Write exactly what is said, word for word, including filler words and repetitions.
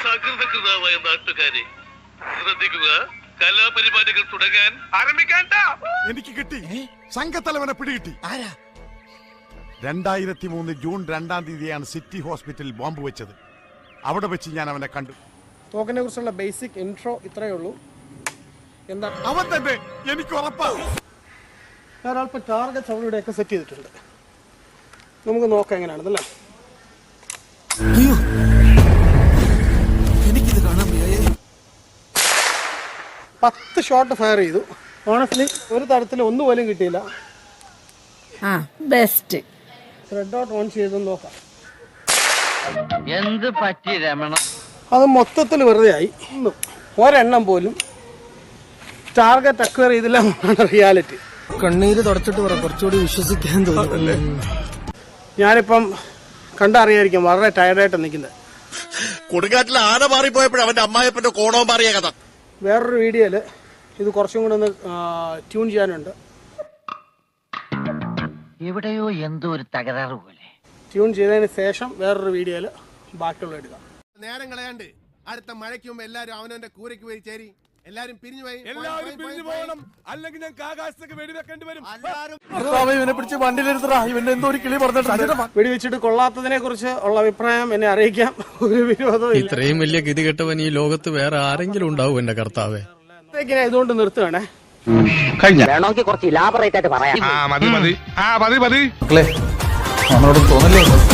സകൃതകൃതമായ നാട്ടുകാരെ ശ്രദ്ധിക്കുക. കലാപരിപാടികൾ തുടങ്ങാൻ ആരംഭിക്കാൻ. എനിക്ക് കിട്ടി, സംഘത്തലവനെ പിടികിട്ടി. ആരാ? രണ്ടായിരത്തി മൂന്ന് ജൂൺ രണ്ടാം തീയതിയാണ് സിറ്റി ഹോസ്പിറ്റലിൽ ബോംബ് വെച്ചത്. അവിടെ വെച്ച് ഞാൻ അവനെ കണ്ടു. തോക്കിനെ കുറിച്ചുള്ള ബേസിക് ഇൻട്രോ ഇത്രയേ ഉള്ളൂ. എന്താ അവൻ തന്നെ, എനിക്ക് ഉറപ്പാണ്. ഒരാൾപ്പം ടാർഗറ്റ് അവളുടെയൊക്കെ സെറ്റ് ചെയ്തിട്ടുണ്ട്. നമുക്ക് നോക്കാം എങ്ങനെയാണെന്നല്ലേ. എനിക്കിത് കാണാൻ പത്ത് ഷോട്ട് ഫയർ ചെയ്തു. ഓണസ്റ്റ്ലി ഒരു തരത്തിൽ ഒന്നുപോലും കിട്ടിയില്ല. ആ ബെസ്റ്റ്. റെഡ് ഡോട്ട് ഓൺ ചെയ്തെന്ന് നോക്കാം. എന്ത് പറ്റി രമണ? അത് മൊത്തത്തിൽ വെറുതെ ആയി. ഒന്നും ഒരെണ്ണം പോലും ടാർഗറ്റ് അക്വയർ ചെയ്തില്ല എന്നാണ് റിയാലിറ്റി. കണ്ണീര് തുടച്ചിട്ട് പറ, കുറച്ചുകൂടി വിശ്വസിക്കാൻ തോന്നുന്നല്ലേ. ഞാനിപ്പം കണ്ടറിയായിരിക്കും വളരെ ടയർഡായിട്ട് നിൽക്കുന്നത്. കൊടുങ്കാറ്റിൽ ആന മാറിപ്പോയപ്പോഴും അവന്റെ അമ്മായപ്പന്റെ കോണവും മാറിയ കഥ. വേറൊരു വീഡിയോയിൽ ഇത് കുറച്ചും കൂടെ ഒന്ന് ട്യൂൺ ചെയ്യാനുണ്ട്. എവിടെയോ എന്തോ ഒരു തകരാറ് പോലെ. ട്യൂൺ ചെയ്തതിന് ശേഷം വേറൊരു വീഡിയോയിൽ ബാക്കിയുള്ള എടുക്കാം. നേരം കളയാണ്ട് അടുത്ത മഴയ്ക്ക് മുമ്പ് എല്ലാരും അവനവന്റെ കൂരയ്ക്ക് പോയി ചേരി. എല്ലാരും പിരിഞ്ഞു പോയി. എല്ലാവരും പിരിഞ്ഞു പോകണം, അല്ലെങ്കിൽ ഞങ്ങൾക്ക് ആകാശത്തേക്ക് വെടിവെക്കേണ്ടി വരും. ഇവനെ പിടിച്ച് വണ്ടിയിലെടുത്തടാ. ഇവന്റെ എന്തോ ഒരു കിളി പറഞ്ഞിട്ട് വെടിവെച്ചിട്ട് കൊള്ളാത്തതിനെ കുറിച്ച് ഉള്ള അഭിപ്രായം എന്നെ അറിയിക്കാം. ഒരു വിരോധവും ഇല്ല. ഇത്രയും വലിയ ഗതികെട്ടവൻ ഈ ലോകത്ത് വേറെ ആരെങ്കിലും ഉണ്ടാവും എന്റെ കർത്താവേ. ഇതുകൊണ്ട് നിർത്തുകയാണേ. വേണമെങ്കിൽ കുറച്ച് ഇലാബറേറ്റ് ആയിട്ട് പറയാം. മതി മതി ആ മതി മതി നമ്മളോട് തോന്നല്ലേ.